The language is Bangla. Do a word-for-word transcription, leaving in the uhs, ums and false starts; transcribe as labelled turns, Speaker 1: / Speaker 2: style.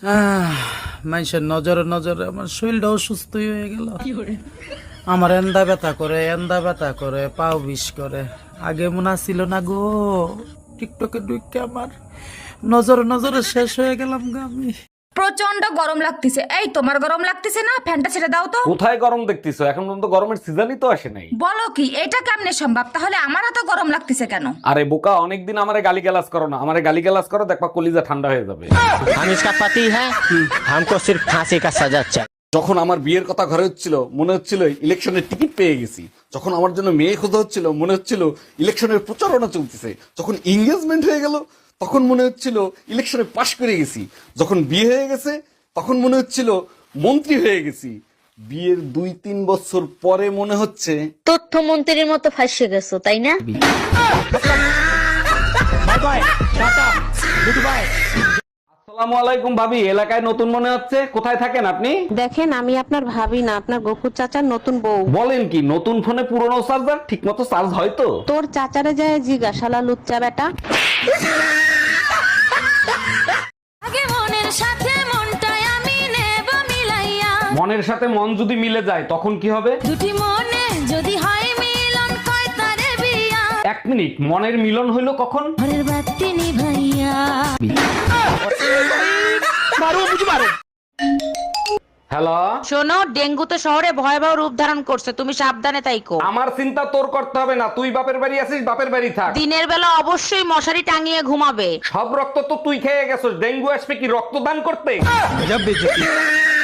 Speaker 1: আহ, মানুষের নজরে নজরে আমার শরীরটা অসুস্থ হয়ে গেল। আমার এন্দা ব্যথা করে এন্দা ব্যথা করে পাও বিষ করে। আগে মনে ছিল না গো, টিকটকে ঢুকে আমার নজরে নজরে শেষ হয়ে গেলাম গো আমি।
Speaker 2: প্রচন্ড গরম লাগতেছে। এই তোমার গরম লাগতেছে না? ফ্যানটা ছেড়ে দাও তো।
Speaker 3: কোথায় গরম দেখতেছো? এখন পর্যন্ত গরমের সিজনই তো আসে নাই।
Speaker 2: বলো কি, এটা কেমনে সম্ভব? তাহলে আমার এত গরম লাগতেছে কেন?
Speaker 3: আরে বোকা, অনেকদিন আমারে গালিগালাজ করো না। আমারে গালিগালাজ করো, দেখবা কলিজা ঠান্ডা হয়ে যাবে।
Speaker 4: हम इसका पति है, हमको सिर्फ फांसी का सजा चाहिए।
Speaker 3: যখন আমার বিয়ের কথা ঘরে হচ্ছিল মনে হচ্ছিল ইলেকশনের টিকিট পেয়ে গেছি। যখন আমার জন্য মেয়ে খোঁজা হচ্ছিল মনে হচ্ছিল ইলেকশনের প্রচারণা চলতেছে। যখন এঙ্গেজমেন্ট হয়ে গেল তখন মনে হচ্ছিল ইলেকশনে পাশ করে গেছি। যখন বিয়ে হয়ে গেছে তখন মনে হচ্ছিল মন্ত্রী হয়ে গেছি। বিয়ের দুই তিন বছর পরে মনে হচ্ছে
Speaker 5: তথ্যমন্ত্রীর মতো ফাঁসে গেছো, তাই না?
Speaker 3: আসসালামু আলাইকুম ভাবি, এলাকায় নতুন মনে হচ্ছে। কোথায় থাকেন আপনি?
Speaker 6: দেখেন, আমি আপনার ভাবি না, আপনার গফুর চাচার নতুন বউ।
Speaker 3: বলেন কি, নতুন ফোনে পুরনো চার্জার ঠিক মতো চার্জ হয় তো?
Speaker 6: তোর চাচারে যায় জিগা, শালা লুচ্চা বেটা।
Speaker 2: আগে মনের সাথে মনটাই আমি নেব মিলাইয়া,
Speaker 3: মনের সাথে মন যদি মিলে যায় তখন কি হবে?
Speaker 2: দুটি মনে যদি হয় মিলন, কয় তারে বিয়া,
Speaker 3: এক মিনিট, মনের মিলন হইলো কখন?
Speaker 2: ঘরের বাতি নিভাইয়া।
Speaker 3: হ্যালো,
Speaker 6: শোনো, ডেঙ্গু তো শহরে ভয়াবহ রূপ ধারণ করছে, তুমি সাবধানে তাইকো।
Speaker 3: আমার চিন্তা তোর করতে হবে না। তুই বাপের বাড়ি আছিস, বাপের বাড়ি থাক।
Speaker 6: দিনের বেলা অবশ্যই মশারি টাঙিয়ে ঘুমাবে।
Speaker 3: সব রক্ত তো তুই খেয়ে গেছিস, ডেঙ্গু আসবে কি রক্তদান করতে?